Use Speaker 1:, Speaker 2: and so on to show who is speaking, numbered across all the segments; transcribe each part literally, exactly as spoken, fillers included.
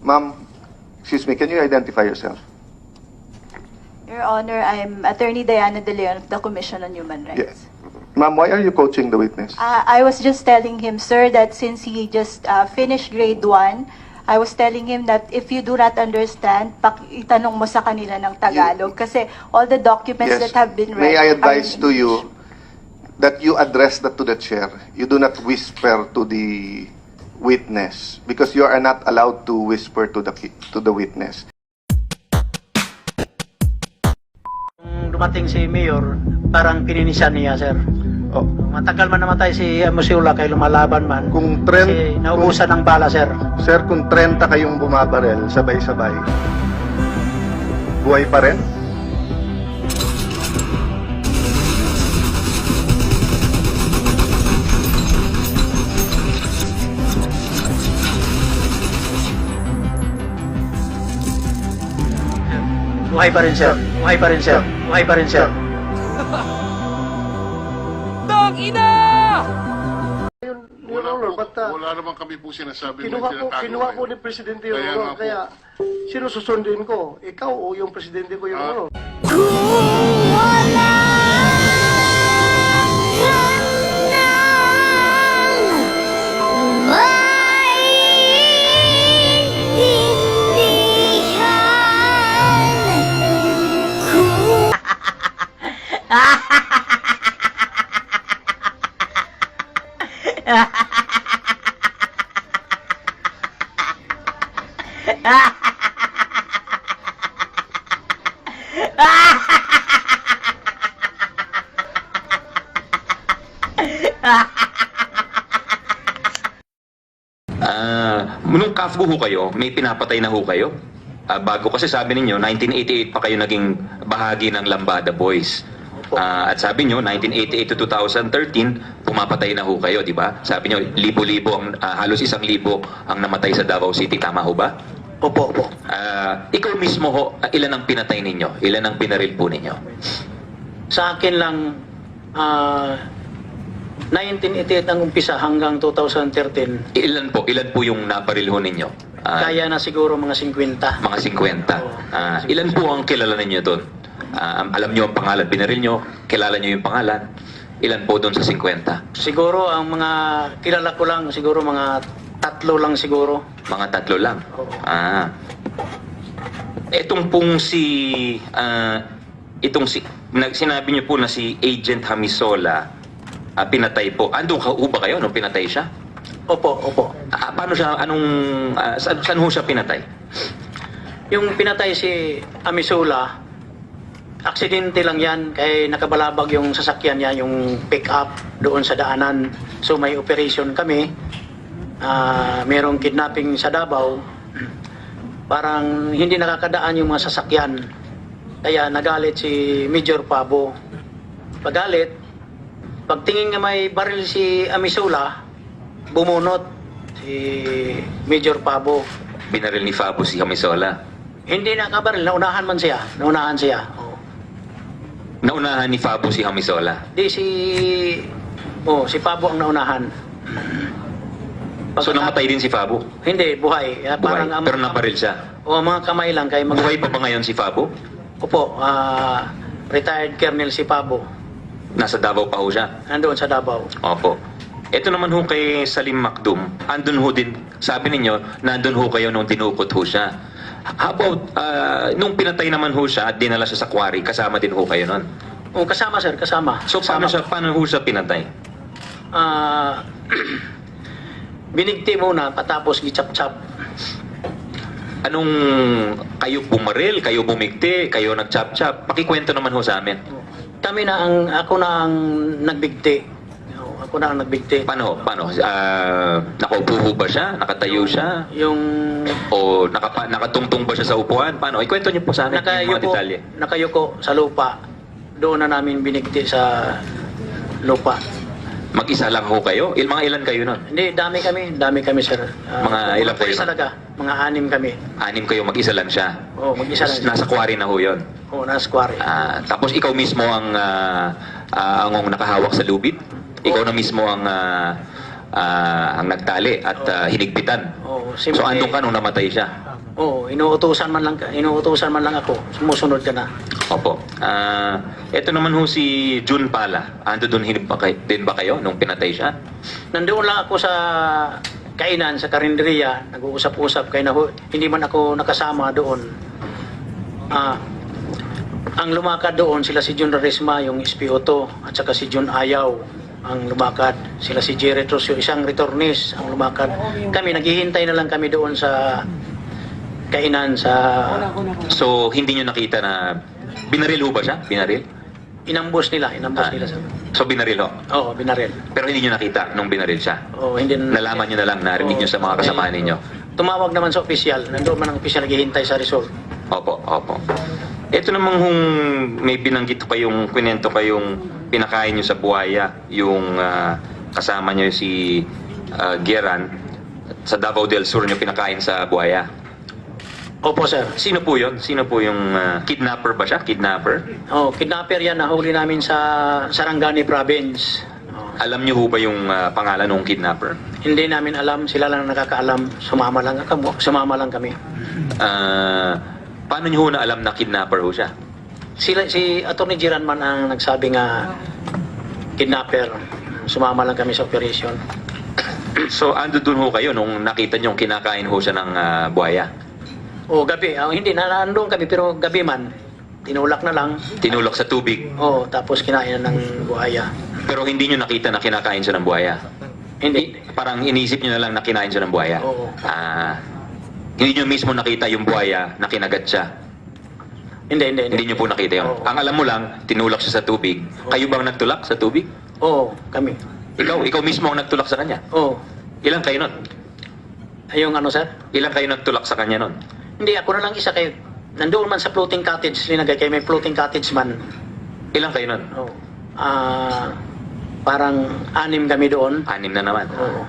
Speaker 1: Ma'am, excuse me, can you identify yourself?
Speaker 2: Your Honor, I'm Attorney Diana De Leon of the Commission on Human Rights.
Speaker 1: Yes. Ma'am, why are you coaching the witness?
Speaker 2: Uh, I was just telling him, sir, that since he just uh, finished grade one, I was telling him that if you do not understand, pak itanong mo sa kanila ng Tagalog. Kasi all the documents
Speaker 1: Yes.
Speaker 2: that have been read
Speaker 1: May I advise
Speaker 2: are in
Speaker 1: to you that you address that to the chair. You do not whisper to the witness because you are not allowed to whisper to the ki- to the witness.
Speaker 3: Nung dumating si Mayor, parang pininisan niya, sir.
Speaker 1: Oh,
Speaker 3: Matagal man namatay si Musiula kay lumalaban man.
Speaker 1: kung trend,
Speaker 3: Kasi naubusan ng bala, sir.
Speaker 1: sir, kung thirty kayong bumabarel sabay-sabay, buhay pa rin?
Speaker 3: Buhay pa rin, sir. Buhay pa rin, sir. Buhay pa rin, sir.
Speaker 4: Your
Speaker 5: Wala
Speaker 4: Honor,
Speaker 5: po,
Speaker 4: but uh,
Speaker 5: wala naman kami po sinasabi
Speaker 4: kinuha
Speaker 5: may
Speaker 4: po,
Speaker 5: tinatago
Speaker 4: kinuha
Speaker 5: kayo.
Speaker 4: po ni Presidente Your
Speaker 5: Kaya
Speaker 4: Honor,
Speaker 5: nga po.
Speaker 4: kaya sino susundin ko? Ikaw o yung Presidente ko, Your
Speaker 5: Ah.
Speaker 4: Honor?
Speaker 6: Ah, nung K A F G O ho kayo, may pinapatay na ho kayo? Ah, bago kasi sabi ninyo, nineteen eighty-eight pa kayo naging bahagi ng Lambada Boys. Ah, at sabi nyo, nineteen eighty-eight to two thousand thirteen, pumapatay na ho kayo, di ba? Sabi nyo, libo-libo, ang, ah, halos isang libo ang namatay sa Davao City. Tama ho ba?
Speaker 3: Opo, opo.
Speaker 6: Ah, ikaw mismo ho, ah, ilan ang pinatay ninyo? Ilan ang pinaril po ninyo?
Speaker 3: Sa akin lang, ah, nineteen eighty-eight ang umpisa hanggang two thousand thirteen.
Speaker 6: Ilan po? Ilan po yung naparil ho ninyo? Ah,
Speaker 3: Kaya na siguro mga fifty.
Speaker 6: Mga fifty. Ah, ilan po ang kilala ninyo doon? Ah, alam nyo ang pangalan, binaril nyo, kilala nyo yung pangalan. Ilan po doon sa fifty?
Speaker 3: Siguro ang mga kilala ko lang, siguro mga tatlo lang siguro.
Speaker 6: Mga tatlo lang.
Speaker 3: Oo.
Speaker 6: Ah. Etong pong si ah, itong si nag sinabi niyo po na si Agent Hamisola, ah, pinatay po. Andun ka ho ba kayo nung pinatay siya?
Speaker 3: Opo, opo.
Speaker 6: Ah, paano siya anong ah, saan, saan ho siya pinatay?
Speaker 3: Yung pinatay si Amisula, aksidente lang yan, kaya nakabalabag yung sasakyan niya, yung pick-up doon sa daanan. So may operation kami, ah merong kidnapping sa Davao, parang hindi nakakadaan yung mga sasakyan. Kaya nagalit si Major Pabo. Pagalit, pagtingin nga may baril si Amisula, bumunot si Major Pabo.
Speaker 6: Binaril ni Fabo si Hamisola.
Speaker 3: Hindi nakabaril, naunahan man siya, naunahan siya. Oo.
Speaker 6: Naunahan ni Fabo si Hamisola.
Speaker 3: Di si oh, si Pabo ang naunahan.
Speaker 6: So
Speaker 3: Pagkatapos-
Speaker 6: namatay din si Fabo.
Speaker 3: Hindi, buhay. Ah,
Speaker 6: Buhay.
Speaker 3: ang-
Speaker 6: Pero naparil siya.
Speaker 3: O mga kamay lang kay mag
Speaker 6: Buhay pa ba ngayon si Fabo?
Speaker 3: Opo, ah, retired Colonel si Pabo.
Speaker 6: Nasa Davao pa ho siya.
Speaker 3: Nandoon sa Davao.
Speaker 6: Opo. Ito naman ho kay Salim Macdum, andun ho din, sabi ninyo, nandun ho kayo nung dinukot ho siya. How about, ah, nung pinatay naman ho siya at dinala siya sa quarry, kasama din ho kayo nun.
Speaker 3: O, kasama sir, kasama.
Speaker 6: So paano,
Speaker 3: Kasama.
Speaker 6: siya, paano ho siya pinatay?
Speaker 3: Ah, binigti muna, patapos gichap-chap.
Speaker 6: Anong, kayo bumaril, kayo bumigti, kayo nagchap-chap? Pakikwento naman ho sa amin.
Speaker 3: Kami na ang, ako na ang nagbigti. O, Ako na ang nagbigti.
Speaker 6: Paano, paano? Ah, nakaupo ho ba siya? Nakatayo siya?
Speaker 3: Yung
Speaker 6: O nakapa, nakatungtong ba siya sa upuan? Paano? Ikwento niyo po sa amin yung mga
Speaker 3: nakayuko,
Speaker 6: detalye.
Speaker 3: nakayuko sa lupa. Doon na namin binigti sa lupa.
Speaker 6: Mag-isa lang ho kayo? Il, mga ilan kayo nun?
Speaker 3: Hindi, dami kami. Dami kami, sir. Ah,
Speaker 6: Mga ilang
Speaker 3: pulis
Speaker 6: kayo?
Speaker 3: talaga. Mga anim kami.
Speaker 6: Anim kayo, mag-isa lang siya.
Speaker 3: Oo, mag-isa lang.
Speaker 6: Nasa quarry na ho yun.
Speaker 3: Oo, nasa quarry.
Speaker 6: Ah, tapos ikaw mismo ang ah, ah, ang nakahawak sa lubid. Ikaw na mismo ang ah, ah, ang nagtali at ah, hinigpitan.
Speaker 3: Oo,
Speaker 6: So andun ka nung namatay siya.
Speaker 3: Oo, inuutusan man lang, ka- inuutusan man lang ako. Sumusunod ka na.
Speaker 6: Opo. Ah, ito naman ho si June Pala. Ando doon hin- ba kay- din ba kayo nung pinatay siya?
Speaker 3: Nandoon lang ako sa kainan, sa karinderiya. Nag-uusap-usap kaya na ho, hindi man ako nakasama doon. Ah, ang lumakad doon, sila si Jun Rarisma, yung S P O two, at saka si Jun Ayaw ang lumakad. Sila si Jerry Trusio, isang returnees ang lumakad. Kami, naghihintay na lang kami doon sa kainan sa
Speaker 6: So, hindi nyo nakita na binaril ho ba siya? Binaril?
Speaker 3: inambos nila, inambos
Speaker 6: Ah,
Speaker 3: nila sa...
Speaker 6: so, binaril ho.
Speaker 3: Oo, binaril.
Speaker 6: Pero hindi nyo nakita nung binaril siya.
Speaker 3: Oo, hindi na...
Speaker 6: Nalaman nyo na lang, narinig nyo sa mga kasama ninyo.
Speaker 3: Tumawag naman sa opisyal, nandoon man ang opisyal naghihintay sa result.
Speaker 6: Opo, opo. Ito namang hung may binanggit pa yung kwento pa yung pinakain nyo sa buhaya, yung ah, kasama nyo si ah, Geran, sa Davao del Sur nyo pinakain sa buhaya.
Speaker 3: Opo, sir.
Speaker 6: Sino po yun? Sino po yung ah, kidnapper ba siya? Kidnapper?
Speaker 3: Oh, kidnapper yan, nahuli namin sa Sarangani Province. Oh,
Speaker 6: Alam nyo ho ba yung ah, pangalan ng kidnapper?
Speaker 3: hindi namin alam, sila lang nakakaalam. Sumama lang kami, sumama lang kami.
Speaker 6: Ah, paano nyo ho na alam na kidnapper ho siya?
Speaker 3: Sila si Attorney Giranman ang nagsabi nga kidnapper. Sumama lang kami sa operation.
Speaker 6: So, ando dun ho kayo nung nakita nyo kinakain ho siya ng ah, buhaya?
Speaker 3: O gabi, ah, hindi na nandoon kami pero gabi man. Tinulak na lang.
Speaker 6: Tinulak sa tubig,
Speaker 3: Oh, tapos kinain na ng buhaya.
Speaker 6: pero hindi nyo nakita na kinakain siya ng buhaya?
Speaker 3: Hindi.
Speaker 6: Parang inisip nyo na lang na kinain siya ng buhaya?
Speaker 3: Oo.
Speaker 6: Ah, hindi nyo mismo nakita yung buhaya na kinagat siya?
Speaker 3: Hindi, hindi,
Speaker 6: Hindi nyo po nakita yun?
Speaker 3: Oo.
Speaker 6: Ang alam mo lang, tinulak siya sa tubig. Kayo bang nagtulak sa tubig?
Speaker 3: Oo, kami.
Speaker 6: Ikaw, ikaw mismo ang nagtulak sa kanya?
Speaker 3: Oo.
Speaker 6: Ilang kayo nun?
Speaker 3: Ayong ano, sir?
Speaker 6: Ilang kayo nagtulak sa kanya nun?
Speaker 3: Hindi, ako na lang isa kayo. Nandoon man sa floating cottage, linagay kayo, may floating cottage man.
Speaker 6: Ilang kayo nun?
Speaker 3: Oh. Ah, parang anim kami doon.
Speaker 6: Anim na naman.
Speaker 3: Oo.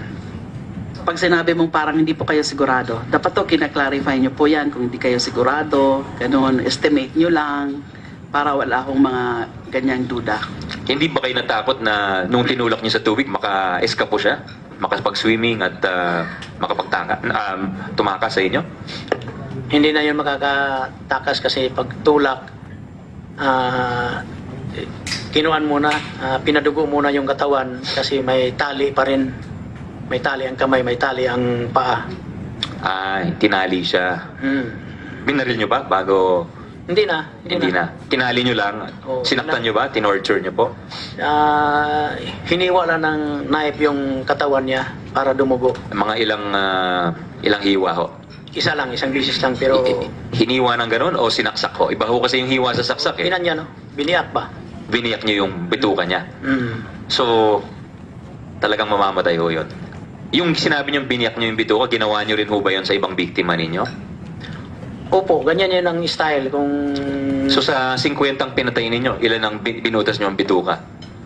Speaker 5: Pag sinabi mong parang hindi po kayo sigurado, dapat to kina-clarify nyo po yan kung hindi kayo sigurado, ganun, estimate nyo lang para wala akong mga ganyang duda.
Speaker 6: Hindi ba kayo natakot na nung tinulak niyo sa tubig, maka-eskapo siya? Makapag-swimming at uh, makapagtaka, um, tumakas sa inyo?
Speaker 3: Hindi na yun makakatakas kasi pag tulak, ah, eh, kinuan muna, ah, pinadugo muna yung katawan kasi may tali pa rin. May tali ang kamay, may tali ang paa.
Speaker 6: Ay, tinali siya.
Speaker 3: Hmm.
Speaker 6: Binaril niyo ba bago?
Speaker 3: Hindi na.
Speaker 6: Hindi na. Tinali niyo lang?
Speaker 3: Oo.
Speaker 6: Sinaktan niyo ba? Tinorture niyo po?
Speaker 3: Ah, hiniwa lang ng knife yung katawan niya para dumugo.
Speaker 6: Mga ilang ah, ilang hiwa ho?
Speaker 3: Isa lang, isang bisis lang pero
Speaker 6: I- hiniwa ng ganun o sinaksak ho? Iba ho kasi yung hiwa sa saksak eh.
Speaker 3: pinan niya, no? Biniyak ba?
Speaker 6: Biniyak niyo yung bituka niya.
Speaker 3: Hmm.
Speaker 6: So, talagang mamamatay ho yun. Yung sinabi niyong biniyak niyo yung bituka, ginawa niyo rin ho ba yun sa ibang biktima ninyo?
Speaker 3: Opo, ganyan yun ang style. Kung
Speaker 6: So sa fifty ang pinatay ninyo, ilan ang bin- binutas niyo ang bituka?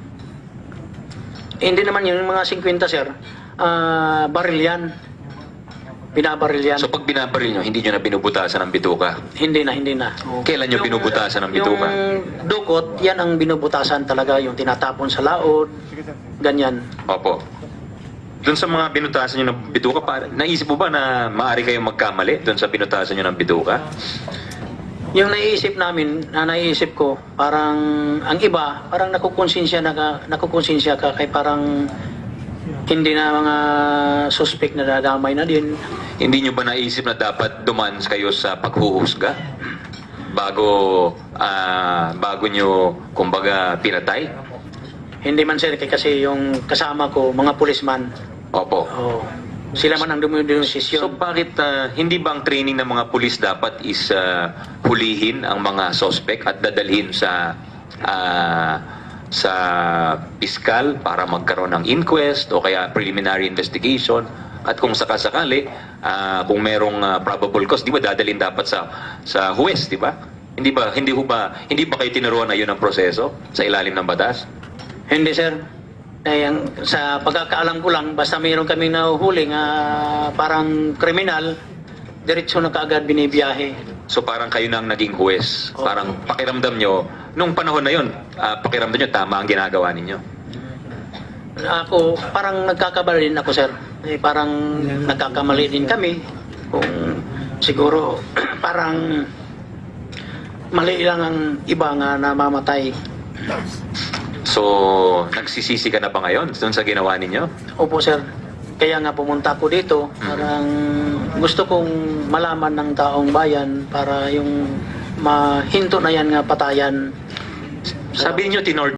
Speaker 3: Eh, hindi naman yun, yung mga fifty, sir. Ah, baril yan. Binabaril yan.
Speaker 6: So pag binabaril nyo, hindi nyo na binubutasan ang bituka.
Speaker 3: hindi na, hindi na.
Speaker 6: Kailan nyo binubutasan ang bituka?
Speaker 3: Yung dukot, yan ang binubutasan talaga. Yung tinatapon sa laod. Ganyan.
Speaker 6: Opo. Doon sa mga binutasan nyo ng bituka, pa, naisip mo ba na maaari kayong magkamali doon sa binutasan nyo ng bituka?
Speaker 3: Yung naiisip namin, na naiisip ko, parang ang iba, parang nakukonsensya na ka, nakukonsensya ka kay parang hindi na mga suspect na dadamay na din.
Speaker 6: Hindi nyo ba naisip na dapat duman kayo sa paghuhusga? Bago, ah, bago nyo, kumbaga, pinatay?
Speaker 3: Hindi man, sir, kay- kasi yung kasama ko, mga pulisman,
Speaker 6: Opo.
Speaker 3: oh, sila man ang
Speaker 6: So
Speaker 3: dumidesisyon.
Speaker 6: bakit ah, hindi ba ang training ng mga pulis dapat is ah, hulihin ang mga suspect at dadalhin sa ah, sa piskal para magkaroon ng inquest o kaya preliminary investigation at kung sakasakali ah, kung merong ah, probable cause, di ba dadalhin dapat sa sa huwes, di ba? Hindi ba hindi ho ba hindi ba kayo tinuruan na yun ang proseso sa ilalim ng batas?
Speaker 3: Hindi, sir. Eh, ang, sa pagkakaalam ko lang, basta mayroon kaming nahuhuli nga parang kriminal, diretso na kaagad binibiyahe.
Speaker 6: So parang kayo na ang naging huwes.
Speaker 3: Oo.
Speaker 6: Parang pakiramdam nyo, nung panahon na yun, ah, pakiramdam nyo tama ang ginagawa ninyo.
Speaker 3: Ako, parang nagkakamali din ako, sir. Eh, parang nagkakamali din kami. Kung siguro parang mali lang ang iba nga namamatay.
Speaker 6: So, nagsisisi ka na ba ngayon doon sa ginawa ninyo?
Speaker 3: Opo sir, kaya nga pumunta ako dito. Parang gusto kong malaman ng taong bayan para yung mahinto na yan nga patayan.
Speaker 6: Sabi niyo tinor